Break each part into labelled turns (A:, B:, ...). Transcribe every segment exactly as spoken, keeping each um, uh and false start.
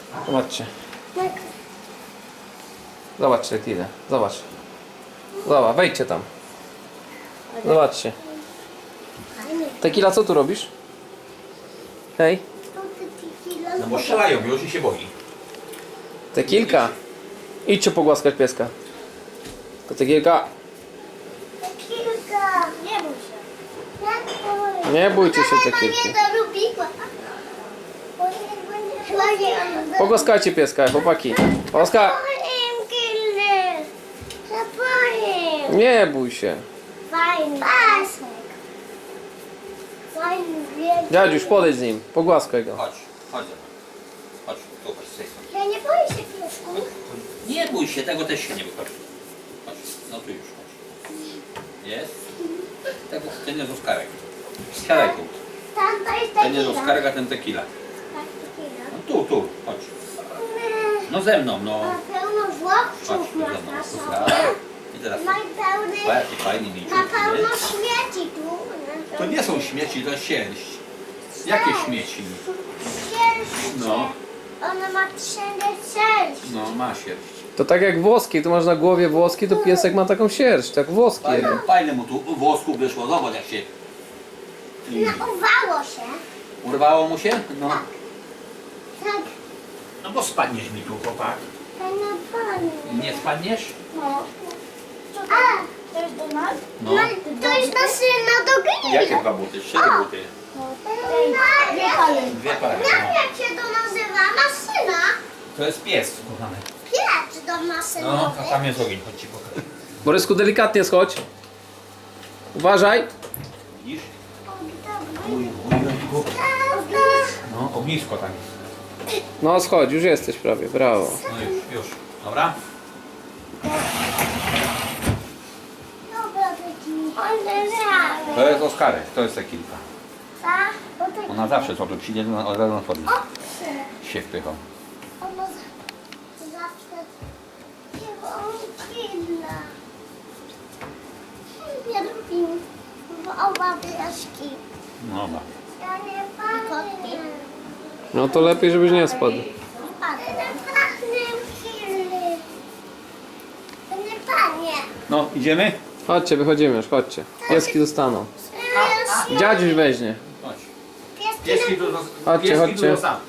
A: Zobaczcie. Zobaczcie ile. Zobacz. Zobacz, wejdźcie tam. Zobaczcie. Tequila, co tu robisz? Hej.
B: No bo strzelają już i się boi.
A: Tequilka. Idźcie pogłaskać pieska. To tequilka.
C: Kilka. Nie bój się.
A: Nie bójcie się tequilki.
C: Nie to lubiła. Chyba nie on.
A: Pogłaskajcie pieska, chłopaki. Oskar.
C: Zapowiem kilny. Zapowiem.
A: Nie bój się.
C: Fajny pasek. Fajny wielki.
A: Dziadziuś, podejdź z nim. Pogłaskaj go.
B: Chodź, chodź. Chodź, tu chodź z tej strony.
C: Ja nie boję się piesku.
B: Nie bój się, tego też się nie wychodzi. Chodź, no tu już chodź. Jest? Tego, ten jest Oskarek. Siadaj tu.
C: Tam to jest
B: Ten jest
C: tequila.
B: Oskarek, a ten tequila.
C: Tak, tequila.
B: No tu, tu, chodź. No ze mną, no.
C: Ma pełno
B: Chodź
C: żłobców
B: tu
C: ma
B: ze mną.
C: na sobie.
B: Oskarek. I teraz.
C: Ma pełny,
B: O, jaki fajny
C: ma
B: mięciutki,
C: pełno
B: nie?
C: śmieci tu.
B: To nie są śmieci, to sierść. Jakie śmieci?
C: Sierść.
B: No.
C: Ona ma wszędzie sierść.
B: No, ma sierść.
A: To tak jak włoski, tu masz na głowie włoski, to piesek ma taką sierść, tak włoski.
B: Fajne, fajne mu tu włosku wyszło, zobacz jak się...
C: Nauwało się.
B: Urwało mu się? No.
C: Tak.
B: No bo spadniesz mi tu, chłopak.
C: Fajna pani.
B: Nie spadniesz?
C: No. A, to jest do nas?
B: No.
C: To jest na syna do gry.
B: Jakie dwa buty? Trzy buty.
C: Dwie pary.
B: Dwie pary.
C: Jak,
B: No.
C: jak się to nazywa? Masyna?
B: To jest pies, kochany.
C: Piec do masynowy.
B: No, a tam jest ogień, chodź ci pokażę.
A: Borysku, delikatnie schodź. Uważaj.
B: Widzisz?
C: O,
B: Uj,
C: dobra.
B: uj, uj, uj.
C: Tata.
B: No, ognisko tam jest.
A: No schodź, już jesteś prawie, brawo.
B: No już, już. Dobra?
C: Dobra, taki. On
B: To jest Oskarek, to jest Tequilka.
C: Tak? Bo tak.
B: Ona zawsze co tu przyjdzie, to od razu na tworzy
C: Owce.
B: się wpychał.
C: Ona z- zawsze dziewiątkina. Ja lubię oba wyjaśki.
B: No dobra.
C: Ja nie pamiętam.
A: No to lepiej, żebyś nie spadł.
C: Nie pachnie kilny. To nie panie.
B: No, idziemy?
A: Chodźcie, wychodzimy już, chodźcie. Pieski zostaną. Dziadziuś weźmie.
B: Chodź.
C: Pieski
B: Pieski tu
A: Chodźcie,
B: pieski
A: chodźcie.
B: tu sam.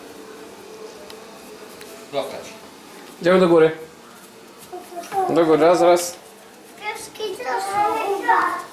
B: Zostać.
A: Idziemy do góry. Do góry, raz, raz.
C: Pieski to są.